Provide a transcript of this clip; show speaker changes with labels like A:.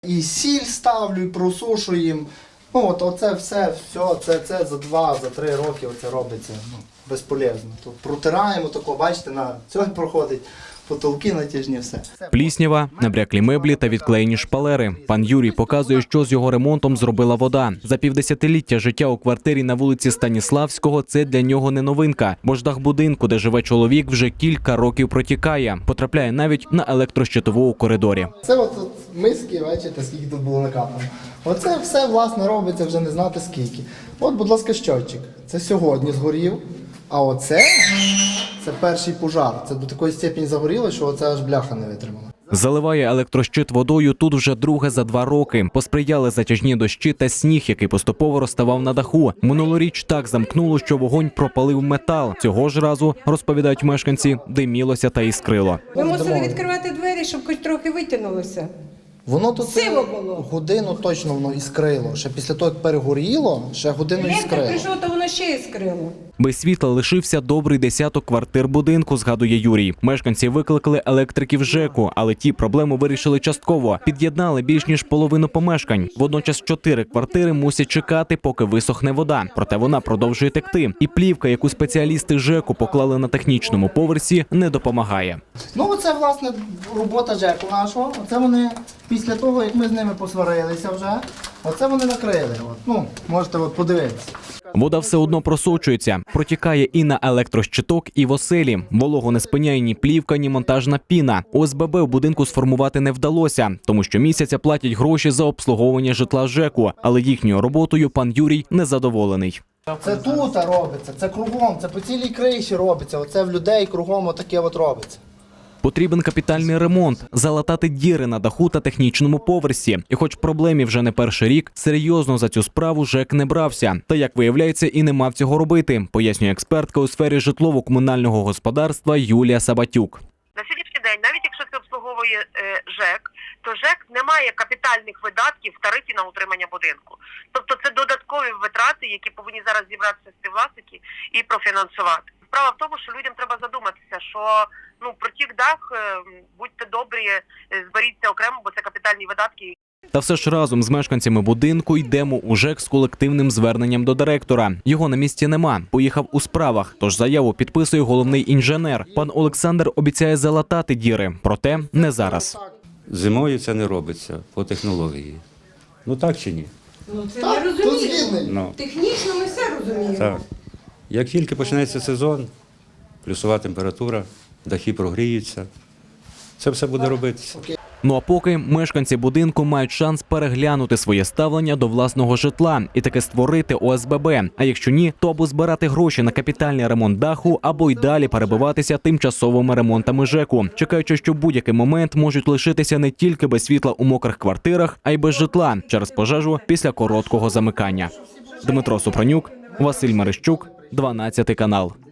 A: І сіль ставлю, і просушуємо. Ну, от оце все, це за 2-3 роки оце робиться безполезно. Тут протираємо тако, бачите, на цьому проходить, потолки натяжні, все.
B: Пліснява, набряклі меблі та відклеєні шпалери. Пан Юрій показує, що з його ремонтом зробила вода. За півдесятиліття життя у квартирі на вулиці Станіславського – це для нього не новинка. Бо ж дах будинку, де живе чоловік, вже кілька років протікає. Потрапляє навіть на електрощитову у коридорі.
A: Це от миски, бачите, скільки тут було накапано. Оце все, власне, робиться вже не знати скільки. От, будь ласка, щотчик. Це сьогодні згорів. А оце – це перший пожар. Це до такої степені загоріло, що оце аж бляха не витримала.
B: Заливає електрощит водою тут вже друге за 2 роки. Посприяли затяжні дощі та сніг, який поступово розставав на даху. Минулоріч так замкнуло, що вогонь пропалив метал. Цього ж разу, розповідають мешканці, димілося та іскрило.
C: Ми мусили відкривати двері, щоб хоч трохи витягнулося.
A: Воно тут
C: Сиво було.
A: годину точно воно іскрило. Ще після того, як перегоріло, ще годину
C: Електрик
A: іскрило.
C: прийшов, то воно ще іскрило.
B: Без світла лишився добрий десяток квартир будинку, згадує Юрій. Мешканці викликали електриків ЖЕКу, але ті проблему вирішили частково. Під'єднали більш ніж половину помешкань. Водночас 4 квартири мусять чекати, поки висохне вода. Проте вона продовжує текти. І плівка, яку спеціалісти ЖЕКу поклали на технічному поверсі, не допомагає.
A: Ну, оце, власне, робота ЖЕКу нашого. Оце вони, після того, як ми з ними посварилися вже, оце вони накрили. От. Ну, можете подивитися.
B: Вода все одно просочується. Протікає і на електрощиток, і в оселі. Вологу не спиняє ні плівка, ні монтажна піна. ОСББ в будинку сформувати не вдалося, тому що місяця платять гроші за обслуговування житла ЖЕКу. Але їхньою роботою пан Юрій незадоволений.
A: Це тут робиться, це кругом, це по цілій криші робиться. Оце в людей кругом отаке от робиться.
B: Потрібен капітальний ремонт, залатати діри на даху та технічному поверсі. І хоч проблемі вже не перший рік, серйозно за цю справу ЖЕК не брався. Та, як виявляється, і не мав цього робити, пояснює експертка у сфері житлово-комунального господарства Юлія Сабатюк.
D: На сьогоднішній день, навіть якщо це обслуговує ЖЕК, то ЖЕК не має капітальних видатків в тарифі на утримання будинку. Тобто це додаткові витрати, які повинні зараз зібратися співвласники і профінансувати. Справа в тому, що людям треба задуматися, що протік дах, будьте добрі, зберіться окремо, бо це капітальні видатки.
B: Та все ж разом з мешканцями будинку йдемо у ЖЕК з колективним зверненням до директора. Його на місці нема, поїхав у справах, тож заяву підписує головний інженер. Пан Олександр обіцяє залатати діри, проте не зараз.
E: Зимою це не робиться по технології. Ну так чи ні?
C: Ну це
A: Так,
C: я
A: тут
C: розумію.
A: згідний.
E: Ну,
C: Технічно ми все розуміємо.
E: так. Як тільки почнеться сезон, плюсова температура, дахи прогріються, це все буде робитися.
B: Ну а поки мешканці будинку мають шанс переглянути своє ставлення до власного житла і таки створити ОСББ. А якщо ні, то або збирати гроші на капітальний ремонт даху, або й далі перебиватися тимчасовими ремонтами ЖЕКу, чекаючи, що в будь-який момент можуть лишитися не тільки без світла у мокрих квартирах, а й без житла через пожежу після короткого замикання. Дмитро Супранюк, Василь Мерещук, 12 канал.